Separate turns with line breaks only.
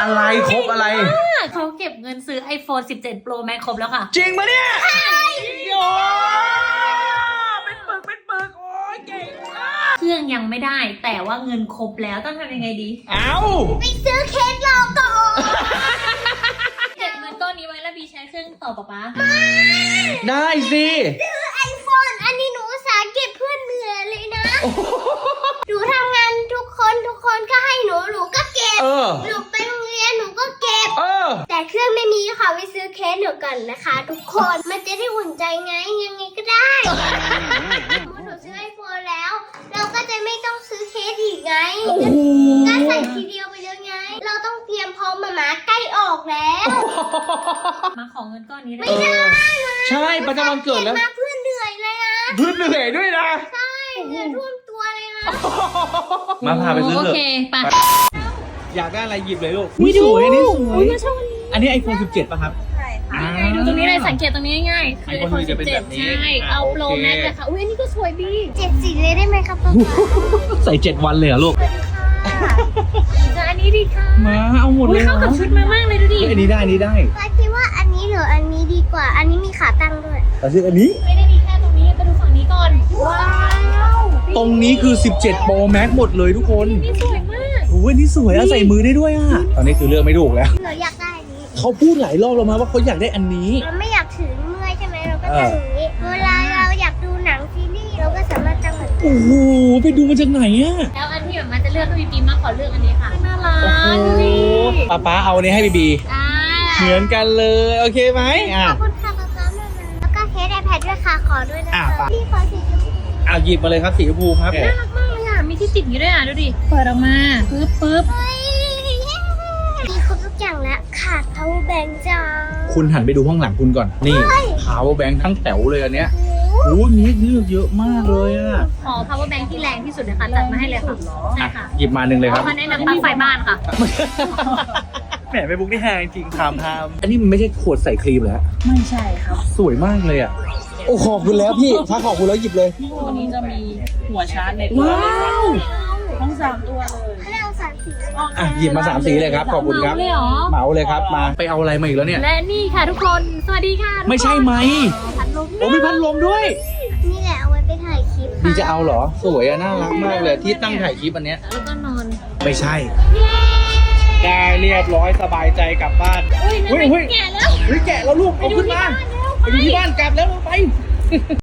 อะไรครบอะไร
เขาเก็บเงินซื้อ iPhone 17 Pro Max ครบแล้วค่ะ
จริงปะเนี่ยใช่โอ้เป็นปึกโอ้ยเก่งมาก
เครื่องยังไม่ได้แต่ว่าเงินครบแล้วต้องทำยังไงดี
ไปซื้อเคสรอก่อน
เก็บเงินก้อนนี้ไว้แล้วบีใช้เครื่องต่อป๊า
ได้สิ
ซื้อ iPhone อันนี้หนูอุตส่าห์เก็บเพื่อนเหนื่อยเลยนะหนูทำงานทุกคนก็ให้หนูก็เก็บหนูไปโรงเรียนหนูก็เก็บแต่เครื่องไม่มีค่ะไปซื้อเคสหนูก่อนนะคะทุกคนมันจะได้อุ่นใจไงยังไงก็ได้หนูซื้อ iPhone แล้วเราก็จะไม่ต้องซื้อเคสอีกไงก็ใส่ทีเดียวไปเลยไงเราต้องเตรียมพร้อมมาใกล้ออกแล้ว
มาขอเงินก้อนนี้
ไม่ได้
ใช่ประจำวันเกิดแล้ว
มาเพื่อนเหนื่อยเลยนะ
เพื่อนเหนื่อยด้วยนะ
ใช่เหนื่อยท่วมตัวเลยนะ
มาพาไปซื้อเถอะ
โอเคไป
อยากได้อะไรหยิบเลยลูกสวยอันนี้สวยอันนี้ iPhone 17 ป่ะครับ
ใช่ค่ะดูตรงนี้เลยสังเกตตรงนี้ง่ายๆคือ iPhone 17ใช่เอาโปรแม็กเลยค่ะอุ้ยอันนี้ก็สวยดี
7 สีเลยได้ไหมครับป๊า
ใส่7 วันเลยเหรอลูก
จะอันนี้ดีค่ะ
มาเอาหมดเลย
เข้ากับชุดมามากเลยดูดิ
อันนี้ได้
ป๊าคิดว่าอันนี้หรืออันนี้ดีกว่าอันนี้มีขาตั้งด้วย
แต่ซื้ออันนี้
ไม่ได้มีแค่ตรงนี้ไปดูฝั่งนี้ก่อนว้าว
ตรงนี้คือ17 Pro Max หมดเลยทุกคน
นี่สวยมาก
โอ้ยนี่สวยใส่มือได้ด้วยตอนนี้คือเลือกไม่ถูกแล้ว
เราอยากได้อันนี้
เขาพูดหลายรอบแล้วมาว่าเขาอยากได้อันนี้
เราไม่อยากถือเมื่อยใช่ไหมเราก็ทำอย่างนี้เวลาเราอยากดูหนังซีรีส์เราก็สามารถตั้งแบบ
โอ้โหไปดูมาจากไหน
แล้วอันที่แบบมันจะเลือกให้บีมาขอเลือกอันนี้ค่ะน่ารักดูดิ
ป๊าเอาอันนี้ให้บีเหมือนกันเลยโอเคไหม
ขอบคุณค่ะป๊าแล้วก็เคส iPad ด้วยค่ะขอด้วยนะคะพี่ขอสีชมพู
หยิบมาเลยครับสีชมพูครับ
น่ารักมากเลยมีที่ติดอยู่ด้วยดูดิเปิดออกมาปึ๊บ
มีครบทุกอย่างแล้วขาด power bank จ้า
คุณหันไปดูข้างหลังคุณก่อนนี่ power bank ทั้งแถวเลยอันเนี้ยโอ้มีเลือกเยอะมากเลย
ขอ power bank ที่แรงที่สุดนะคะจัดมาให้เลยค่ะใช่ค่ะ
หยิบมา1เลยครับ
เขาแนะนำปลั๊กไฟบ้านค่ะ
แหมไปบุ๊กนี่แฮงจริงทำอันนี้มันไม่ใช่ขวดใส่ครีมเหรอ
ไม่ใช่ครับ
สวยมากเลยโอ้ขอบคุณแล้วพี่ถ้าขอบคุณแล้วหยิบเลย
ตัวนี้จะมีหัวชาร์จในตัวทั้ง3 ตัวเลย
ให้เอา3 สี
หยิบมา3 สีเลยครับขอบคุณครับเหมาเลยครับมาไปเอาอะไรมาอีกแล้วเนี่ย
และนี่ค่ะทุกคนสวัสดีค่ะ
ไม่ใช่ไหม
พัดลม
มีพัดลมด้วย
นี่แหละเอาไว้ไปถ่ายคลิป
พี่จะเอาเหรอสวยน่ารักมากเลยที่ตั้งถ่ายคลิปอันเนี้ย
แล้วก็นอน
ไม่ใช่ได้เรียบร้อยสบายใจกลับบ้าน
เฮ้ยแกะแล้ว
แกะแล้วลูกเอาขึ้นมาไปดูที่บ้านกลับแล้วไป